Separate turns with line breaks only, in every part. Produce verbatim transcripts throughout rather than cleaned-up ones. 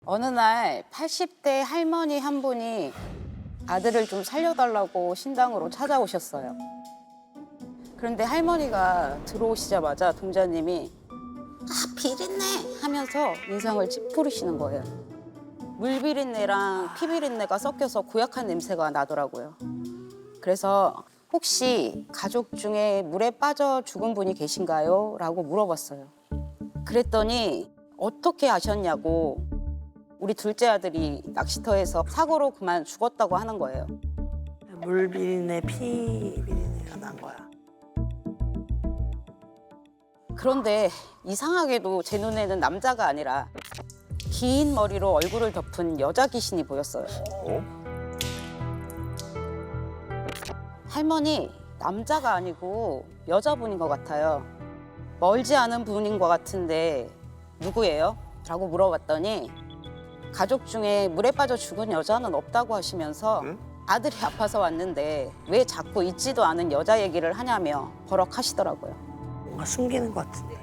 어느 날 팔십 대 할머니 한 분이 아들을 좀 살려달라고 신당으로 찾아오셨어요. 그런데 할머니가 들어오시자마자 동자님이 아 비린내 하면서 인상을 찌푸리시는 거예요. 물비린내랑 피비린내가 섞여서 고약한 냄새가 나더라고요. 그래서 혹시 가족 중에 물에 빠져 죽은 분이 계신가요? 라고 물어봤어요. 그랬더니 어떻게 아셨냐고 우리 둘째 아들이 낚시터에서 사고로 그만 죽었다고 하는 거예요.
물 비린내, 피 비린내가 난 거야.
그런데 이상하게도 제 눈에는 남자가 아니라 긴 머리로 얼굴을 덮은 여자 귀신이 보였어요.
어?
할머니, 남자가 아니고 여자분인 것 같아요. 멀지 않은 분인 것 같은데 누구예요? 라고 물어봤더니 가족 중에 물에 빠져 죽은 여자는 없다고 하시면서
응?
아들이 아파서 왔는데 왜 자꾸 있지도 않은 여자 얘기를 하냐며 버럭하시더라고요.
뭔가 숨기는 것 같은데.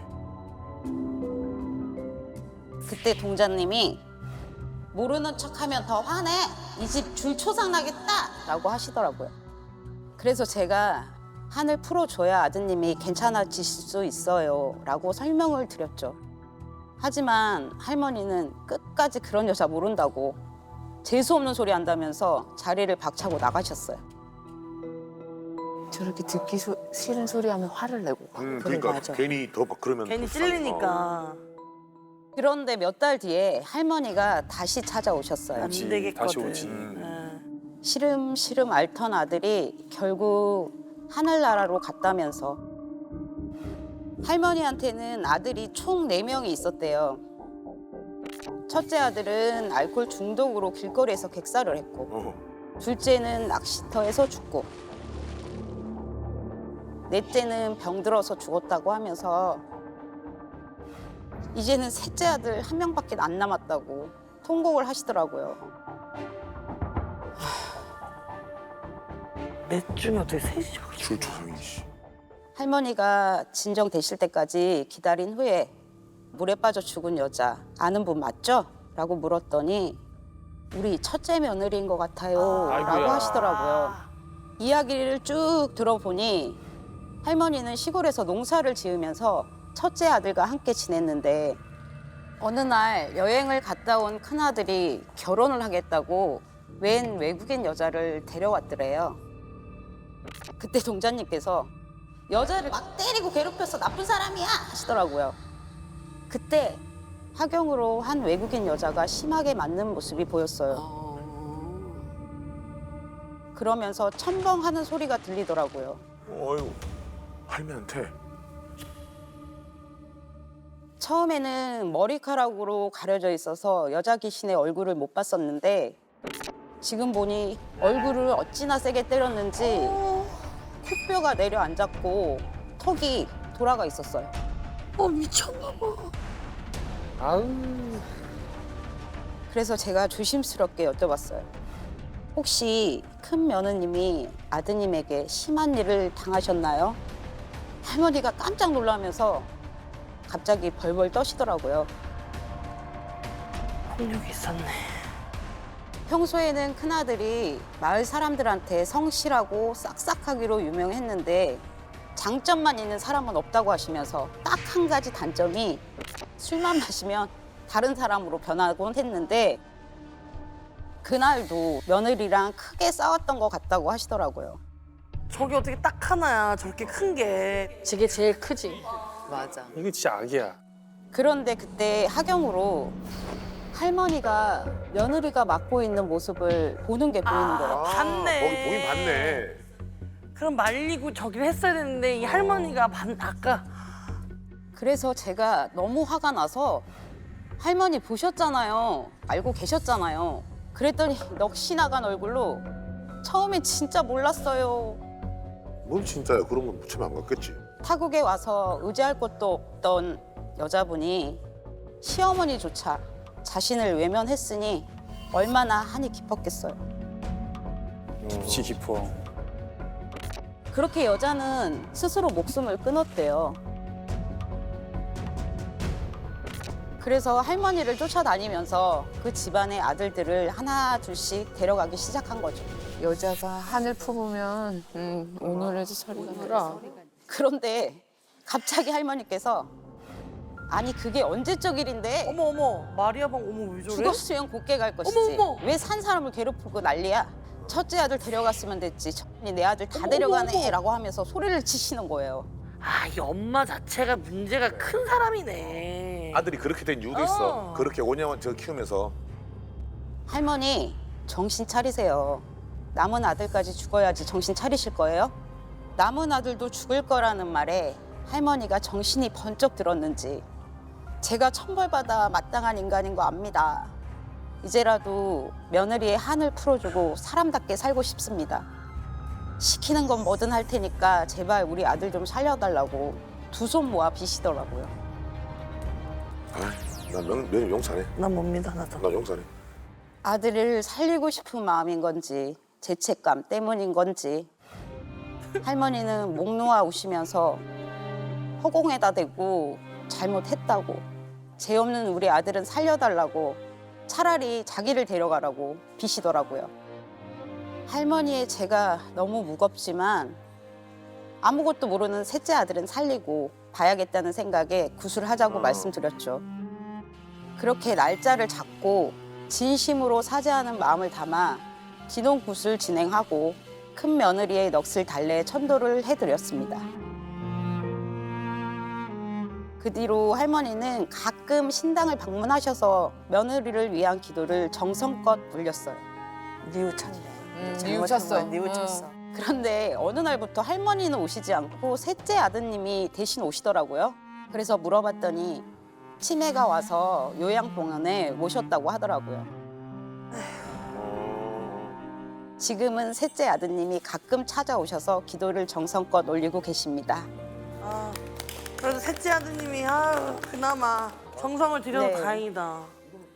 그때 동자님이 모르는 척하면 더 화내. 이 집 줄 초상 나겠다 라고 하시더라고요. 그래서 제가 한을 풀어줘야 아드님이 괜찮아지실 수 있어요 라고 설명을 드렸죠. 하지만 할머니는 끝까지 그런 여자 모른다고 재수없는 소리 한다면서 자리를 박차고 나가셨어요.
저렇게 듣기 소, 싫은 소리 하면 화를 내고 가.
음,
그래,
그러니까
맞아.
괜히 더 막 그러면
괜히
더 싸우고.
찔리니까
그런데 몇 달 뒤에 할머니가 다시 찾아오셨어요.
안 되겠거든.
다시 오지.
응.
시름시름 앓던 아들이 결국 하늘나라로 갔다면서 할머니한테는 아들이 총 네 명이 있었대요. 첫째 아들은 알코올 중독으로 길거리에서 객사를 했고
어.
둘째는 낚시터에서 죽고 넷째는 병들어서 죽었다고 하면서 이제는 셋째 아들 한 명밖에 안 남았다고 통곡을 하시더라고요.
넷 중에 어떻게 셋이 저렇게
줄초상이 씨.
할머니가 진정되실 때까지 기다린 후에 물에 빠져 죽은 여자 아는 분 맞죠? 라고 물었더니 우리 첫째 며느리인 것 같아요 라고
아이고야.
하시더라고요. 이야기를 쭉 들어보니 할머니는 시골에서 농사를 지으면서 첫째 아들과 함께 지냈는데 어느 날 여행을 갔다 온 큰아들이 결혼을 하겠다고 웬 외국인 여자를 데려왔더래요. 그때 동자님께서 여자를 막 때리고 괴롭혀서 나쁜 사람이야 하시더라고요. 그때 하경으로 한 외국인 여자가 심하게 맞는 모습이 보였어요. 그러면서 첨벙하는 소리가 들리더라고요.
어휴, 할매한테.
처음에는 머리카락으로 가려져 있어서 여자 귀신의 얼굴을 못 봤었는데 지금 보니 얼굴을 어찌나 세게 때렸는지 코뼈가 내려앉았고 턱이 돌아가 있었어요.
어 미쳤나 봐.
아우.
그래서 제가 조심스럽게 여쭤봤어요. 혹시 큰 며느님이 아드님에게 심한 일을 당하셨나요? 할머니가 깜짝 놀라면서 갑자기 벌벌 떠시더라고요.
폭력이 있었네.
평소에는 큰아들이 마을 사람들한테 성실하고 싹싹하기로 유명했는데 장점만 있는 사람은 없다고 하시면서 딱 한 가지 단점이 술만 마시면 다른 사람으로 변하곤 했는데 그날도 며느리랑 크게 싸웠던 것 같다고 하시더라고요.
저게 어떻게 딱 하나야. 저렇게 큰 게.
저게 제일 크지. 맞아.
이게 진짜 악이야.
그런데 그때 하경으로 할머니가 며느리가 맡고 있는 모습을 보는 게 보이는 거예요.
아, 봤네.
거기 보긴 봤네.
그럼 말리고 저기를 했어야 되는데 이 할머니가 반 아까
그래서 제가 너무 화가 나서 할머니 보셨잖아요. 알고 계셨잖아요. 그랬더니 넋이 나간 얼굴로 처음엔 진짜 몰랐어요.
뭔 진짜야? 그런 건 무참히 안 갔겠지.
타국에 와서 의지할 곳도 없던 여자분이 시어머니조차 자신을 외면했으니 얼마나 한이 깊었겠어요.
깊이 깊어.
그렇게 여자는 스스로 목숨을 끊었대요. 그래서 할머니를 쫓아다니면서 그 집안의 아들들을 하나 둘씩 데려가기 시작한 거죠.
여자가 한을 품으면 음, 오늘에도 소리가 들어.
그런데 갑자기 할머니께서 아니 그게 언제적 일인데
어머 어머 마리아방 어머 왜 저래?
죽었으면 곱게 갈 것이지.
어머, 어머.
왜 산 사람을 괴롭히고 난리야. 첫째 아들 데려갔으면 됐지. 첫째 내 아들 다
어머,
데려가네
어머.
라고 하면서 소리를 치시는 거예요.
아, 이 엄마 자체가 문제가 큰 사람이네.
아들이 그렇게 된 이유도
어.
있어. 그렇게 오 년 저 키우면서.
할머니 정신 차리세요. 남은 아들까지 죽어야지 정신 차리실 거예요? 남은 아들도 죽을 거라는 말에 할머니가 정신이 번쩍 들었는지 제가 천벌받아 마땅한 인간인 거 압니다. 이제라도 며느리의 한을 풀어주고 사람답게 살고 싶습니다. 시키는 건 뭐든 할 테니까 제발 우리 아들 좀 살려달라고 두 손 모아 비시더라고요.
아, 난 명, 명 용서해.
난 뭡니다, 나도.
난 용서해.
아들을 살리고 싶은 마음인 건지 죄책감 때문인 건지 할머니는 목 놓아 우시면서 허공에다 대고 잘못했다고 죄 없는 우리 아들은 살려달라고 차라리 자기를 데려가라고 비시더라고요. 할머니의 죄가 너무 무겁지만 아무것도 모르는 셋째 아들은 살리고 봐야겠다는 생각에 구술하자고 말씀드렸죠. 그렇게 날짜를 잡고 진심으로 사죄하는 마음을 담아 진홍 굿을 진행하고 큰 며느리의 넋을 달래 천도를 해드렸습니다. 그 뒤로 할머니는 가끔 신당을 방문하셔서 며느리를 위한 기도를 정성껏 물렸어요.
뉘우쳤네.
음, 뉘우쳤어.
뉘우쳤어.
그런데 어느 날부터 할머니는 오시지 않고 셋째 아드님이 대신 오시더라고요. 그래서 물어봤더니 치매가 와서 요양병원에 모셨다고 하더라고요. 지금은 셋째 아드님이 가끔 찾아오셔서 기도를 정성껏 올리고 계십니다.
아, 그래도 셋째 아드님이 아, 그나마 정성을 들여서
네.
다행이다.